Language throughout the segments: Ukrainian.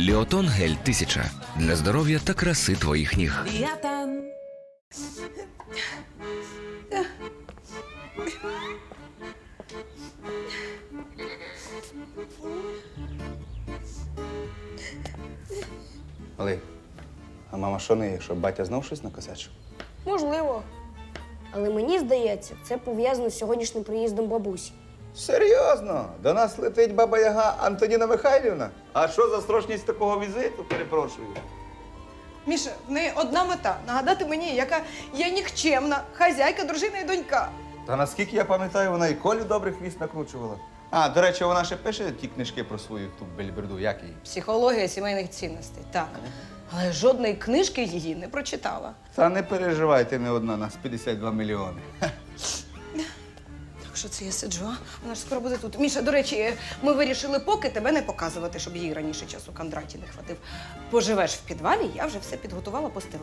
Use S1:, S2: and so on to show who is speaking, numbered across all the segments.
S1: Біотон гель 1000 для здоров'я та краси твоїх ніг.
S2: Біотон.
S3: Малий, а мама що не є, що батя знов щось накосячив?
S4: Можливо. Але мені здається, це пов'язано з сьогоднішнім приїздом бабусі.
S3: Серйозно? До нас летить баба-яга Антоніна Михайлівна? А що за строчність такого візиту, перепрошую?
S5: Міша, в неї одна мета – нагадати мені, яка я нікчемна, хазяйка, дружина і донька.
S3: Та наскільки я пам'ятаю, вона і Колі добрих хвіст накручувала. А, до речі, вона ще пише ті книжки про свою ту бельберду, як її?
S5: Психологія сімейних цінностей, так. Але жодної книжки її не прочитала.
S3: Та не переживай, ти не одна, нас 52 мільйони.
S5: Так що це я сиджу, а? Вона ж скоро буде тут. Міша, до речі, ми вирішили поки тебе не показувати, щоб їй раніше часу Кондраті не хватив. Поживеш в підвалі, я вже все підготувала, постелила.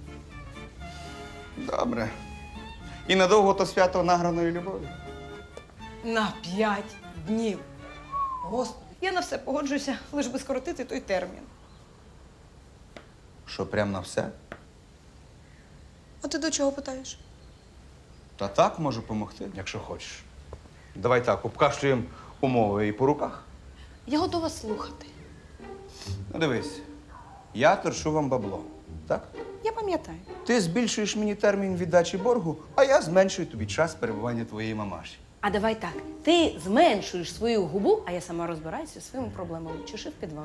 S3: Добре. І надовго то свято награної любові?
S5: На 5 днів. Господи, я на все погоджуюся, лиш би скоротити той термін.
S3: Що, прям на все?
S5: А ти до чого питаєш?
S3: Та так можу допомогти, якщо хочеш. Давай так, обкашлюємо умови і по руках.
S5: Я готова слухати.
S3: Ну дивись, я торшу вам бабло, так?
S5: Я пам'ятаю.
S3: Ти збільшуєш мені термін віддачі боргу, а я зменшую тобі час перебування твоєї мамаші.
S5: А давай так. Ти зменшуєш свою губу, а я сама розбираюся зі своїми проблемами. Чеши в підвал.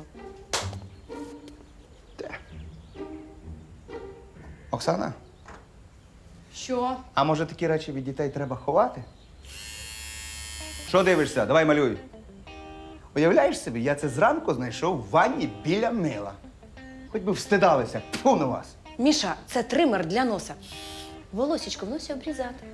S3: Оксана,
S5: Що?
S3: а може такі речі від дітей треба ховати? Що дивишся? Давай малюй. Уявляєш собі, я це зранку знайшов в ванні біля мила. Хоч би встидалися. Тьфу на вас.
S5: Міша, це тример для носа. Волосічко в носі обрізати.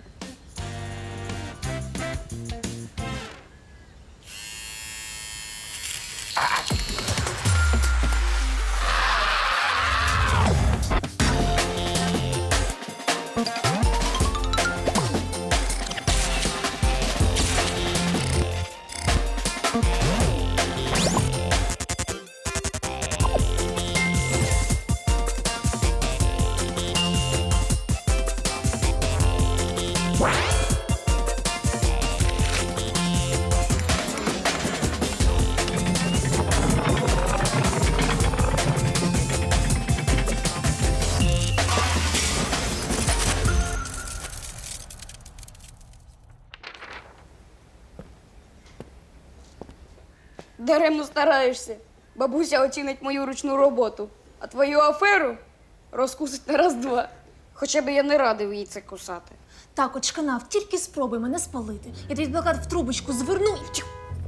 S4: Даремно стараєшся. Бабуся оцінить мою ручну роботу, а твою аферу розкусить на раз-два. Хоча б я не радив їй це кусати.
S6: Так, от шканав, тільки спробуй мене спалити. Я твій плакат в трубочку зверну і втю.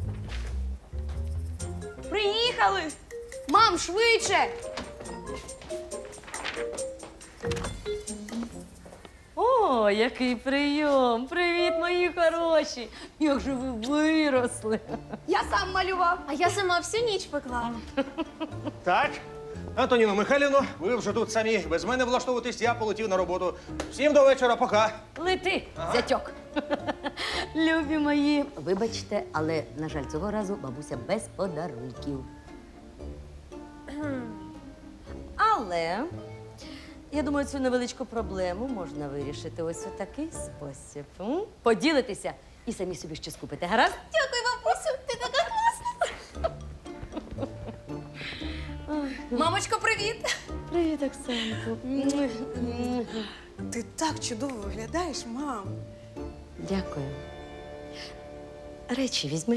S4: Приїхали! Мам, швидше!
S2: О, який прийом! Привіт, мої хороші! Як же ви виросли!
S4: Я сам малював.
S6: А я сама всю ніч пекла.
S7: Так, Антоніно Михайлівно, ви вже тут самі. Без мене влаштовуватись, я полетів на роботу. Всім до вечора, пока.
S2: Лети, зятьок! Любі мої!
S8: Вибачте, але, на жаль, цього разу бабуся без подарунків. Але, я думаю, цю невеличку проблему можна вирішити ось у такий спосіб. Поділитися і самі собі щось купити. Гаразд?
S6: Дякую, бабусю, ти така класна. Мамочко, привіт!
S2: Привіт, Оксанко!
S5: Ти так чудово виглядаєш, мам.
S8: Дякую. Речі візьми.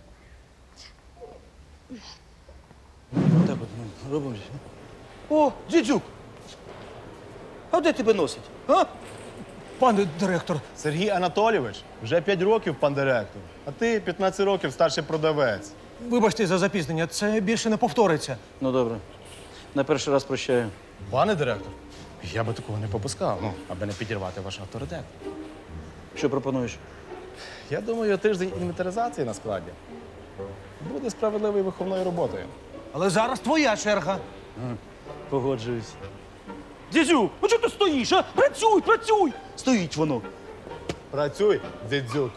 S7: Так от ми робимо. О, дідюк! А де тебе носить? А? Пане директор.
S9: Сергій Анатолійович, вже 5 років пан директор, а ти 15 років старший продавець.
S7: Вибачте за запізнення, це більше не повториться.
S10: Ну, добре. На перший раз прощаю.
S9: Пане директор, я би такого не попускав, аби не підірвати ваш авторитет.
S10: Що пропонуєш?
S9: Я думаю, тиждень інвентаризації на складі буде справедливою виховною роботою.
S7: Але зараз твоя черга.
S10: Погоджуюсь.
S7: Дідюк, ну чого ти стоїш, а? Працюй, працюй! Стоїть воно.
S9: Працюй, дідзюк.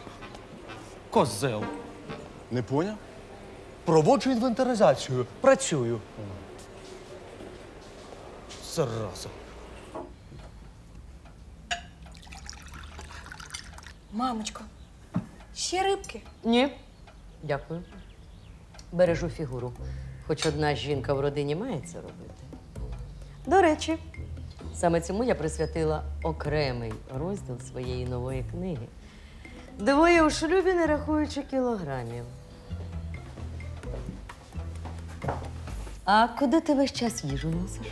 S7: Козел.
S9: Не поняв?
S7: Проводжу інвентаризацію. Працюю.
S9: Зараза.
S5: Мамочко, ще рибки.
S8: Ні. Дякую. Бережу фігуру. Хоч одна жінка в родині має це робити. До речі, саме цьому я присвятила окремий розділ своєї нової книги. Двоє у шлюбі, не рахуючи кілограмів. А куди ти весь час їжу носиш?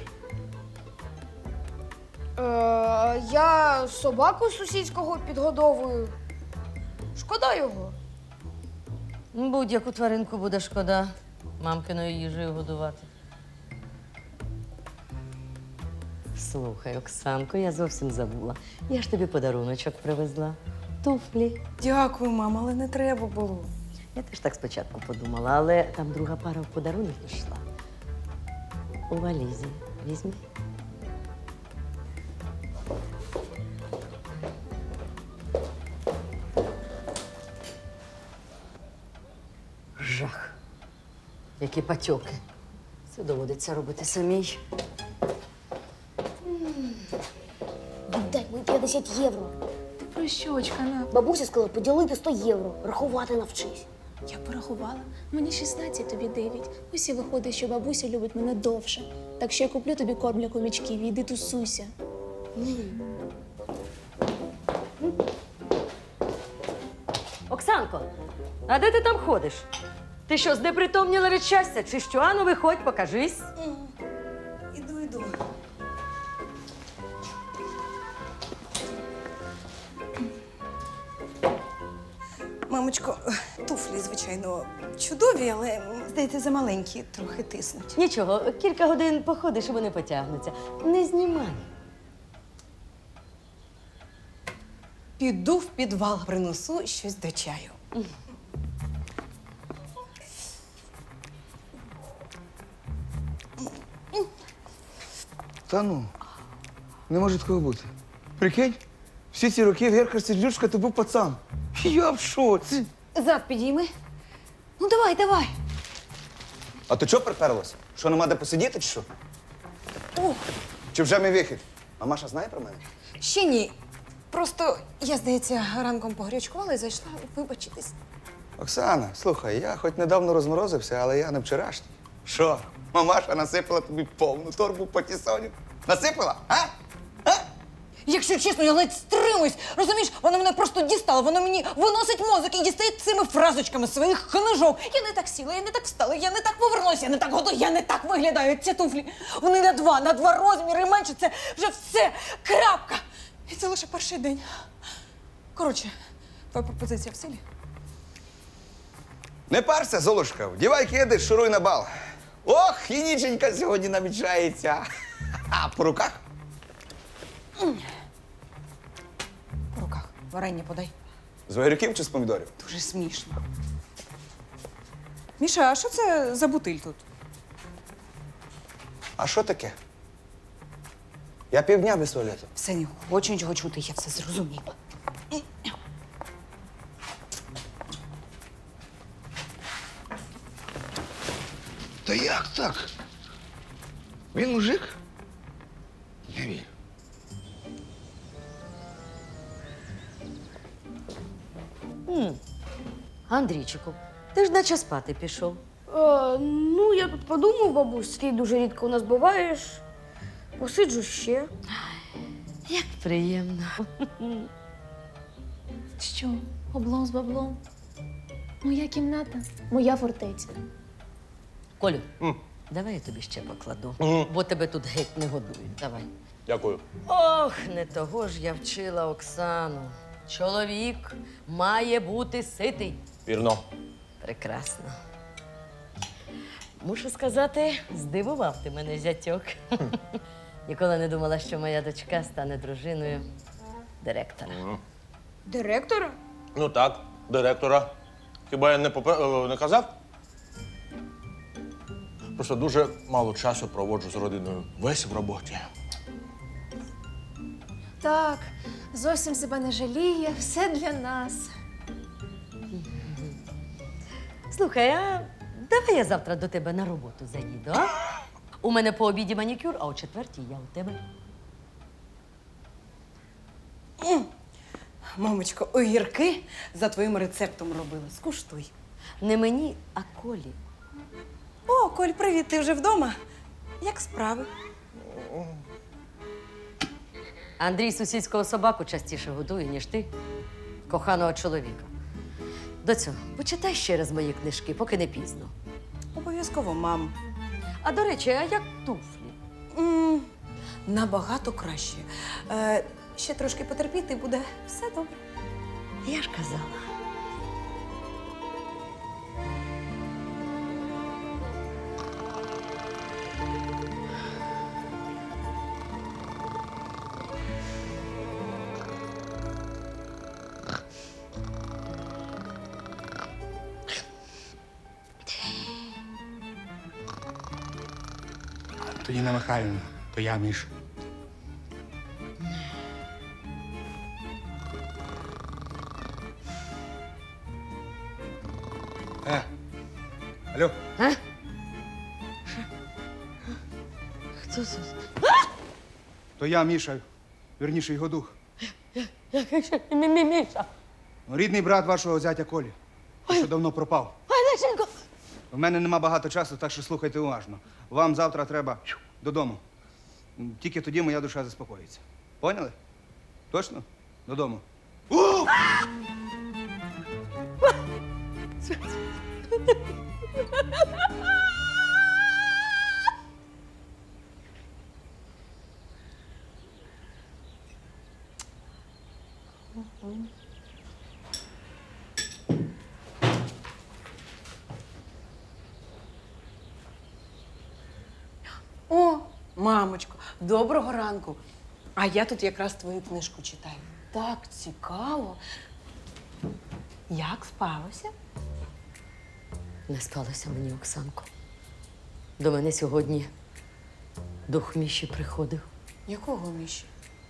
S4: Я собаку сусідського підгодовую. Шкода його.
S8: Будь-яку тваринку буде шкода мамкиною їжею годувати. Слухай, Оксанко, я зовсім забула. Я ж тобі подаруночок привезла. Туфлі.
S5: Дякую, мама, але не треба було.
S8: Я теж так спочатку подумала, але там друга пара в подарунок пішла. У валізі. Візьми. Жах. Які патьоки. Це доводиться робити самій.
S11: Віддай мені 50 євро.
S6: Ти про що, очкана?
S11: Бабуся сказала поділити 100 євро. Рахувати навчись.
S6: Я порахувала. Мені 16, тобі 9. Ось і виходить, що бабуся любить мене довше. Так що я куплю тобі корм для комічків і йди тусуйся.
S8: Оксанко, а де ти там ходиш? Ти що, знепритомніла від щастя? Чи що? Ану, виходь, покажись.
S5: Іду. Мамочко, туфлі, звичайно, чудові, але, здається, замаленькі, трохи тиснуть.
S8: Нічого, кілька годин походиш і вони потягнуться. Не знімай.
S5: Піду в підвал, принесу щось до чаю.
S3: Та ну, не може такого бути. Прикинь, всі ці роки Герхар Сердючка то був пацан. Я в шоці.
S5: Зад підійми. Ну, давай.
S3: А то чого приперлося? Що, нема де посидіти, чи що?
S5: О,
S3: Чи вже мій вихід? А Маша знає про мене?
S5: ще ні. Просто я, здається, ранком погрячкувала і зайшла вибачитись.
S3: Оксана, слухай, я хоч недавно розморозився, але я не вчорашній. Що? Мамаша насипала тобі повну торбу патісонів. Насипала? А?
S5: Якщо чесно, я ледь стримуюсь. Розумієш, вона мене просто дістала, вона мені виносить мозок і дістає цими фразочками своїх книжок. Я не так сіла, я не так встала, я не так повернулася, я не так готова, я не так виглядаю. Ці туфлі, вони на два розміри менше, це вже все, крапка. І це лише перший день. Коротше, твоя пропозиція в силі?
S3: Не парся, Золушка, вдівай кеди, шуруй на бал. Ох, і ніченька сьогодні намічається. А по руках?
S5: По руках. Варення подай.
S3: З огірків чи з помідорів?
S5: Дуже смішно. Міша, а що це за бутиль тут?
S3: А що таке? Я півдня без туалету.
S5: Все, не хочу нічого чути, я все зрозуміла.
S3: Та як так? Він мужик? Не вірю.
S8: Андрійчику, ти ж наче спати пішов.
S4: Ну, я тут подумав, бабусь, ти дуже рідко у нас буваєш. Посиджу ще.
S8: Як приємно.
S6: Що? Облом з баблом? Моя кімната, моя фортеця.
S8: Колю, давай я тобі ще покладу, бо тебе тут геть не годують. Давай.
S7: Дякую.
S8: Ох, не того ж я вчила Оксану. Чоловік має бути ситий.
S7: Вірно.
S8: Прекрасно. Мушу сказати, здивував ти мене, зятьок. Ніколи не думала, що моя дочка стане дружиною директора.
S4: Директора?
S7: Ну так, директора. Хіба я не казав? Просто дуже мало часу проводжу з родиною. Весь в роботі.
S6: Так, зовсім себе не жаліє, все для нас.
S8: Слухай, а давай я завтра до тебе на роботу заїду, а? У мене по обіді манікюр, а о 4-й я у тебе.
S5: Мамочко, огірки за твоїм рецептом робила. Скуштуй.
S8: Не мені, а Колі.
S5: О, Коль, привіт, ти вже вдома? Як справи?
S8: Андрій сусідського собаку частіше годує, ніж ти, коханого чоловіка. Доцю, почитай ще раз мої книжки, поки не пізно.
S5: Обов'язково, мам.
S8: А до речі, а як туфлі?
S5: Набагато краще. Ще трошки потерпіти, буде все добре.
S8: Я ж казала.
S3: Антоніна Михайлівна, то я, Міш. Алло,
S8: Хто це?
S3: то я, Міша, вірніше, його дух.
S8: Міша.
S3: Рідний брат вашого зятя Колі, що давно пропав.
S8: Лешенько!
S3: В мене нема багато часу, так що слухайте уважно. Вам завтра треба додому. Тільки тоді моя душа заспокоїться. Поняли? Точно? Додому.
S5: О, мамочко, доброго ранку. А я тут якраз твою книжку читаю. Так цікаво. Як спалося?
S8: Не сталося мені, Оксанко. До мене сьогодні дух Міші приходив.
S5: Якого Міші?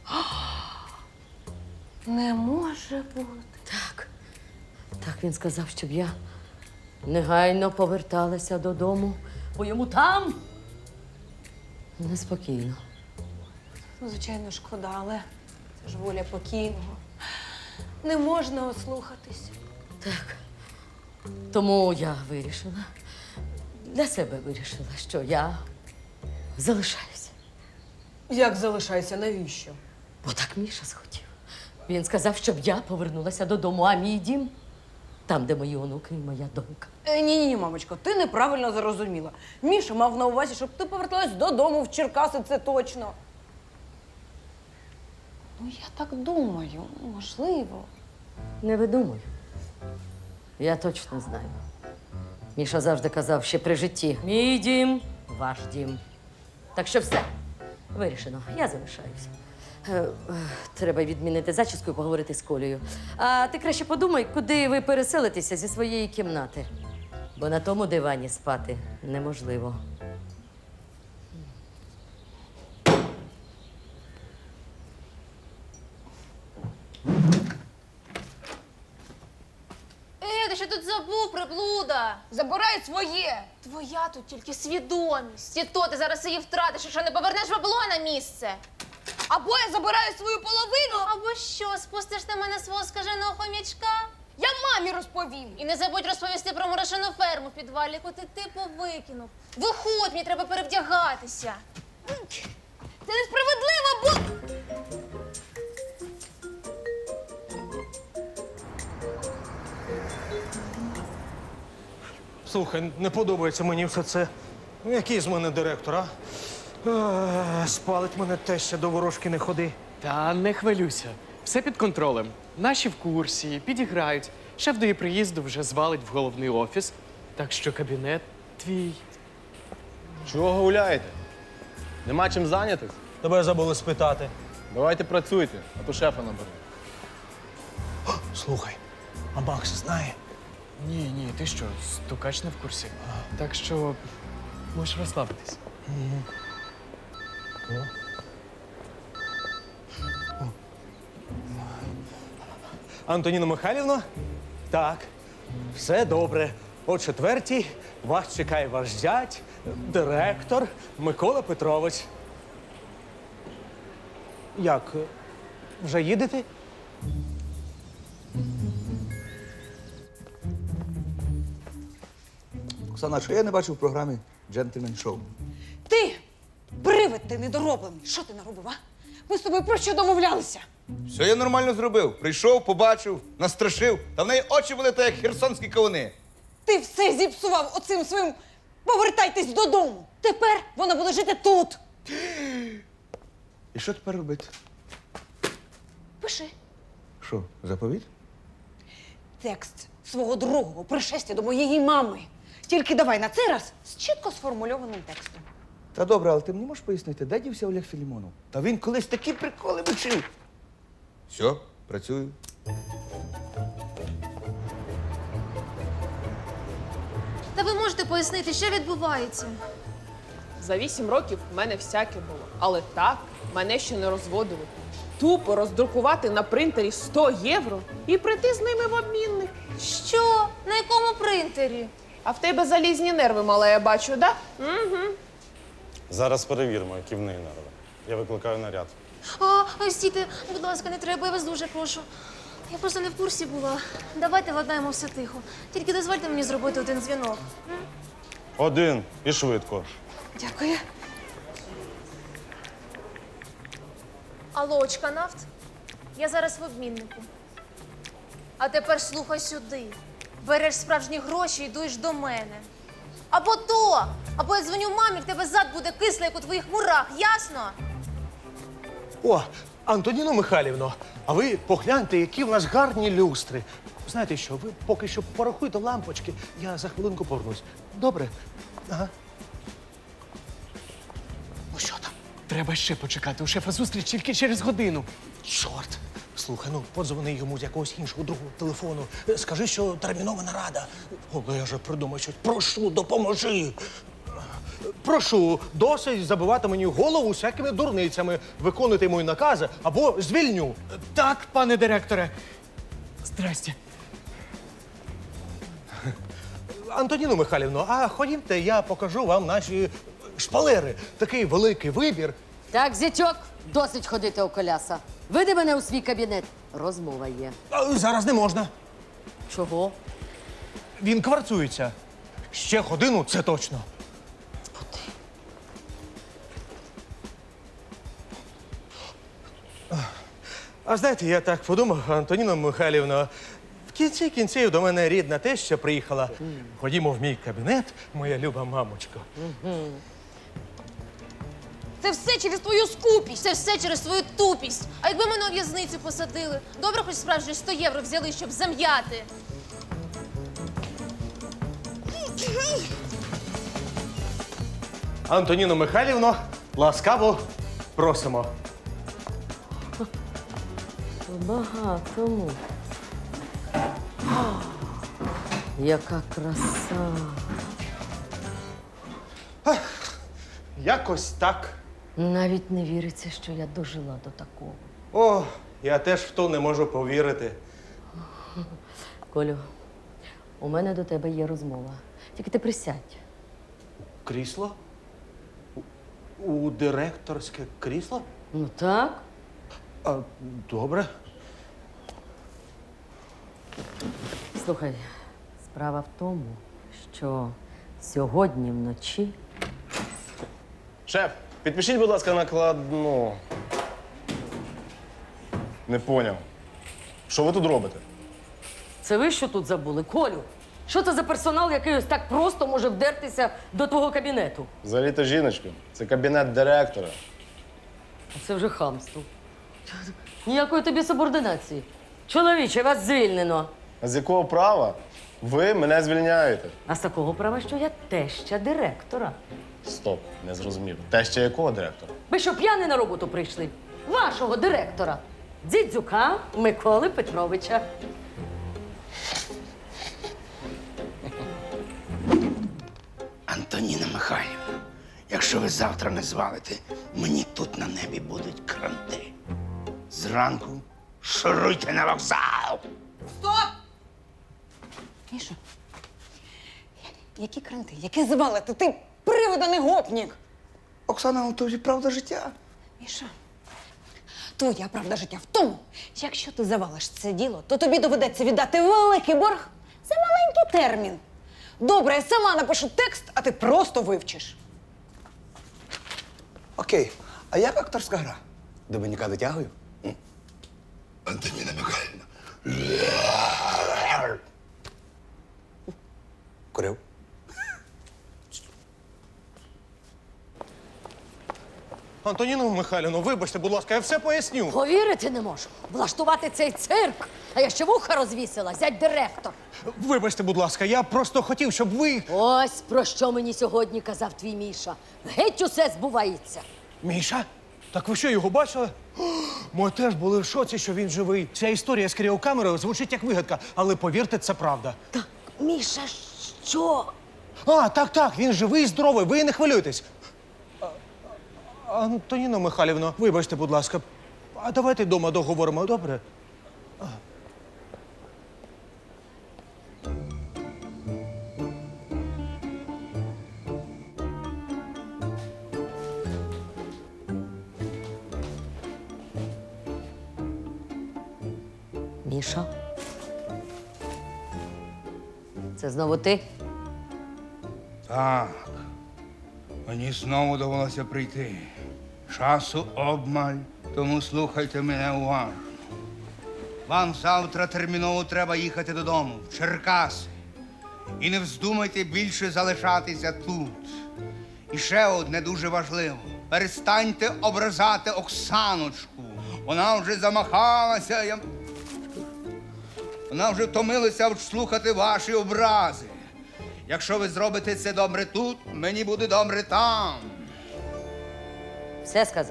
S5: Не може бути.
S8: Так. Так він сказав, щоб я негайно поверталася додому, бо йому там неспокійно.
S5: Ну, звичайно, шкода, але це ж воля покійного. Не можна ослухатись.
S8: Так. Тому я вирішила, для себе вирішила, що я залишаюся.
S5: Як залишайся, навіщо?
S8: Бо так Міша схотів. Він сказав, щоб я повернулася додому, а мій дім там, де мої онуки і моя донька.
S5: Ні, мамочко, ти неправильно зрозуміла. Міша мав на увазі, щоб ти поверталась додому в Черкаси, це точно. Ну, я так думаю, можливо.
S8: Не видумуй. Я точно знаю. Міша завжди казав ще при житті: мій дім, ваш дім. Так що все, вирішено, я залишаюся. Треба відмінити зачіску і поговорити з Колею. А ти краще подумай, куди ви переселитеся зі своєї кімнати. Бо на тому дивані спати неможливо.
S6: Ти що тут забув, приблуда?
S4: Забирай своє!
S6: Твоя тут тільки свідомість. І то ти зараз її втратиш, якщо не повернеш бабло на місце.
S4: Або я забираю свою половину,
S6: Або що, спустиш на мене свого скаженого хомячка?
S4: я мамі розповім.
S6: І не забудь розповісти про мурашину ферму в підвалі, яку ти типу викинув. Виходь, мені треба перевдягатися.
S4: Це несправедливо, бо...
S7: Слухай, не подобається мені все це. Ну, який з мене директор, а? Спалить мене теща, до ворожки не ходи.
S12: Та не хвилюйся. Все під контролем. Наші в курсі, підіграють. Шеф до її приїзду вже звалить в головний офіс. Так що кабінет твій.
S9: Чого гуляєте? Нема чим зайнятись?
S7: Тебе забули спитати.
S9: Давайте працюйте, а то шефа наберу.
S7: Слухай, а Макс знає?
S12: Ні, ти що, стукач не в курсі. Так що можеш розслабитись.
S7: Антоніна Михайлівна? Так, все добре. О 4-й вас чекає ваш зять, директор Микола Петрович. Як? Вже їдете?
S3: Оксана, що я не бачив в програмі «Джентльмен Шоу»?
S5: Ти, привид ти недороблений. Що ти наробив, а? Ми з тобою про що домовлялися?
S3: Все я нормально зробив. Прийшов, побачив, настрашив. Та в неї очі були так, як херсонські кавуни.
S5: Ти все зіпсував оцим своїм «повертайтесь додому». Тепер вона буде жити тут.
S3: І що тепер робити?
S5: Пиши
S3: Що, заповіт?
S5: текст свого другого пришестя до моєї мами. Тільки давай на цей раз з чітко сформульованим текстом.
S3: Та добре, але ти мені можеш пояснити, де дівся Олег Філімонов? Та він колись такі приколи вчив. Все, працюю.
S6: Та ви можете пояснити, що відбувається?
S13: За 8 років в мене всяке було. Але так мене ще не розводили. Тупо роздрукувати на принтері 100 євро і прийти з ними в обмінник.
S6: Що? На якому принтері?
S13: А в тебе залізні нерви, мала, я бачу, да? Угу.
S9: Зараз перевіримо, які в неї нерви. Я викликаю наряд.
S6: Стійте, будь ласка, не треба, я вас дуже прошу. Я просто не в курсі була. Давайте владнаємо все тихо. Тільки дозвольте мені зробити один дзвінок.
S9: Один і швидко.
S5: Дякую.
S6: Алло, Очканафт? Я зараз в обміннику. А тепер слухай сюди. Береш справжні гроші і йдеш до мене. Або я дзвоню мамі, в тебе зад буде кислий, як у твоїх мурах, ясно?
S7: О, Антоніно Михайлівно, а ви погляньте, які в нас гарні люстри. Знаєте що, ви поки що порахуйте лампочки, я за хвилинку повернусь. Добре? Ага. Ну що там?
S12: Треба ще почекати. У шефа зустріч тільки через годину.
S7: Чорт! Слухай, ну подзвони йому з якогось іншого другого телефону. Скажи, що термінова нарада. О, я вже придумав щось. Прошу, допоможи. Прошу, досить забивати мені голову всякими дурницями. Виконуйте мої накази або звільню.
S12: Так, пане директоре. Здрасте.
S7: Антоніно Михайлівно, а ходімте, я покажу вам наші шпалери. Такий великий вибір.
S8: Так, зятьок, досить ходити у коляса. Веди мене у свій кабінет. Розмова є.
S7: Зараз не можна.
S8: Чого?
S7: Він кварцується. Ще годину, це точно. А знаєте, я так подумав, Антоніно Михайлівно, в кінці кінців до мене рідна теща приїхала. Ходімо в мій кабінет, моя люба мамочко.
S6: Це все через твою скупість, це все через твою тупість. А якби мене у в'язницю посадили, добре хоч справжні 100 євро взяли, щоб зам'яти.
S7: Антоніно Михайлівно, ласкаво просимо.
S8: Багатому. Яка краса.
S7: Якось так.
S8: Навіть не віриться, що я дожила до такого.
S7: О, я теж в то не можу повірити.
S8: Колю, у мене до тебе є розмова. Тільки ти присядь.
S7: Крісло? У директорське крісло?
S8: Ну так.
S7: А, добре.
S8: Слухай, справа в тому, що сьогодні вночі
S9: Шеф, підпишіть, будь ласка, накладну. Не поняв. Що ви тут робите?
S8: Це ви що тут забули? Колю, що це за персонал, який ось так просто може вдертися до твого кабінету?
S9: Взагалі-то жіночка. Це кабінет директора.
S8: Це вже хамство. Ніякої тобі субординації. Чоловіче, вас звільнено.
S9: А з якого права ви мене звільняєте?
S8: А з такого права, що я теща директора.
S9: Стоп, не зрозумів. Теща якого директора?
S8: Ви що, п'яні на роботу прийшли? Вашого директора. Дзідзюка Миколи Петровича.
S14: Антоніна Михайлівна, якщо ви завтра не звалите, мені тут на небі будуть кранти. Зранку шуруйте на вокзал!
S5: Стоп! Міша, Які кранти, які звалити? Ти привиданий гопнік!
S3: Оксана, ну тобі правда життя.
S5: Міша, твоя правда життя в тому, якщо ти завалиш це діло, то тобі доведеться віддати великий борг за маленький термін. Добре, я сама напишу текст, а ти просто вивчиш.
S3: Окей, а як акторська гра? До баняка дотягую?
S14: Антоніна Михайлівна.
S3: Курив.
S7: Антоніно Михайлівно, вибачте, будь ласка, я все поясню.
S2: Повірити не можу. Влаштувати цей цирк. А я ще вуха розвісила, зять директор.
S7: Вибачте, будь ласка, я просто хотів, щоб ви.
S2: Ось про що мені сьогодні казав твій Міша. Геть усе збувається.
S7: Міша? Так ви що, його бачили? Ми теж були в шоці, що він живий. Ця історія з кріокамерою звучить як вигадка, але повірте, це правда.
S2: Міша, що?
S7: А, так, він живий і здоровий, ви не хвилюйтесь. Антоніно Михайлівно, вибачте, будь ласка, а давайте вдома договоримо, добре?
S2: Міша? Це знову ти?
S14: Так. Мені знову довелося прийти. Часу обмаль, тому слухайте мене уважно. Вам завтра терміново треба їхати додому, в Черкаси. І не вздумайте більше залишатися тут. І ще одне дуже важливо. Перестаньте ображати Оксаночку. Вона вже замахалася. Вона вже втомилася слухати ваші образи. Якщо ви зробите це добре тут, мені буде добре там.
S2: Все сказав.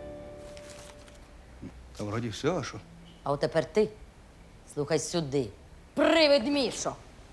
S3: Та вроді все, а що?
S2: А от тепер ти. Слухай сюди. Привид Мішо.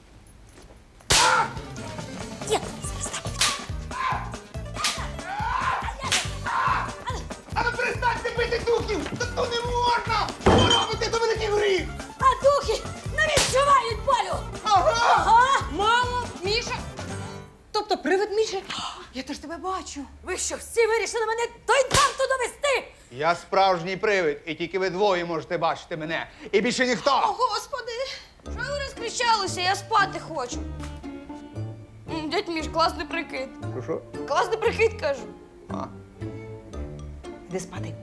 S14: А ну перестаньте бити духів! То не можна! Ви робите до великих гріх!
S2: А духи не відчувають болю!
S5: Ага! Мамо, Міша! Тобто привид Міші? Я теж тебе бачу.
S2: Ви що, всі вирішили мене до інфаркту довести?
S3: Я справжній привид, і тільки ви двоє можете бачити мене. І більше ніхто.
S4: О, Господи! Що ви розкричалися? Я спати хочу. Дядь Міш, класний прикид.
S3: Що?
S4: Класний прикид, кажу.
S5: Іди спати.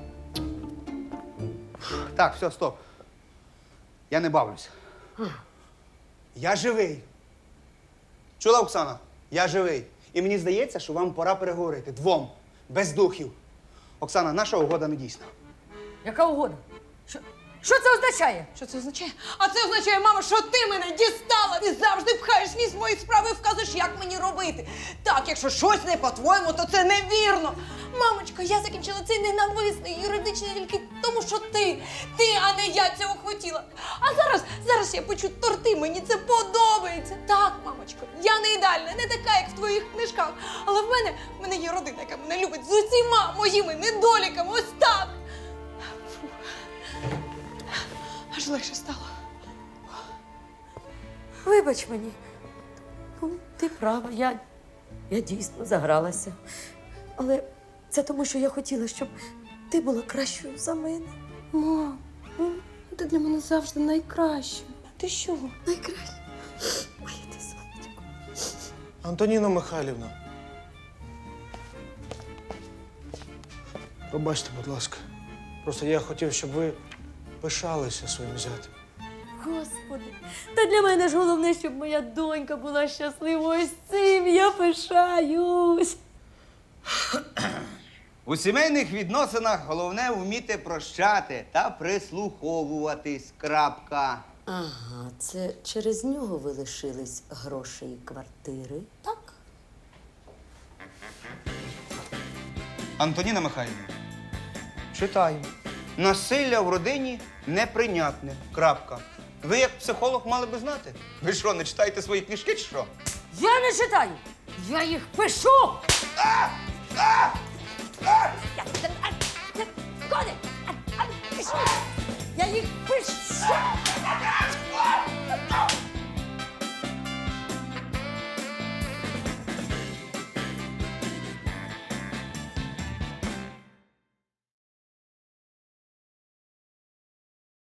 S3: Так, все, стоп. Я не бавлюся. Я живий. Чула, Оксана? Я живий. І мені здається, що вам пора переговорити. Двом. Без духів. Оксана, наша угода не дійсна.
S2: Яка угода? Що це означає?
S5: Що це означає? А це означає, мамо, що ти мене дістала! Ти завжди пхаєш ніс в мої справи і вказуєш, як мені робити. Так, якщо щось не по-твоєму, то це невірно. Мамочко, я закінчила цей ненависний юридичний тільки тому, що ти, а не я цього хотіла. А зараз я печу торти, мені це подобається. Так, мамочко, я не ідеальна, не така, як в твоїх книжках. Але в мене є родина, яка мене любить з усіма моїми недоліками. Ось так. Аж легше стало.
S2: Вибач мені. Ну, ти права, я дійсно загралася. Але це тому, що я хотіла, щоб ти була кращою за мене.
S4: Мам, ти для мене завжди найкраща.
S5: Ти що?
S2: Найкраще. Моє ти сонечко.
S7: Антоніно Михайлівна. Пробачте, будь ласка. Просто я хотів, щоб ви пишалися своїм зятем.
S2: Господи, та для мене ж головне, щоб моя донька була щасливою. Ось цим я пишаюсь.
S3: У сімейних відносинах головне вміти прощати та прислуховуватись. Крапка.
S2: Ага, це через нього ви лишились грошей і квартири, так?
S3: Антоніна Михайлівна, читаю. Насилля в родині неприйнятне. Крапка. Ви як психолог мали би знати. Ви що, не читаєте свої книжки чи що?
S2: Я не читаю! Я їх пишу!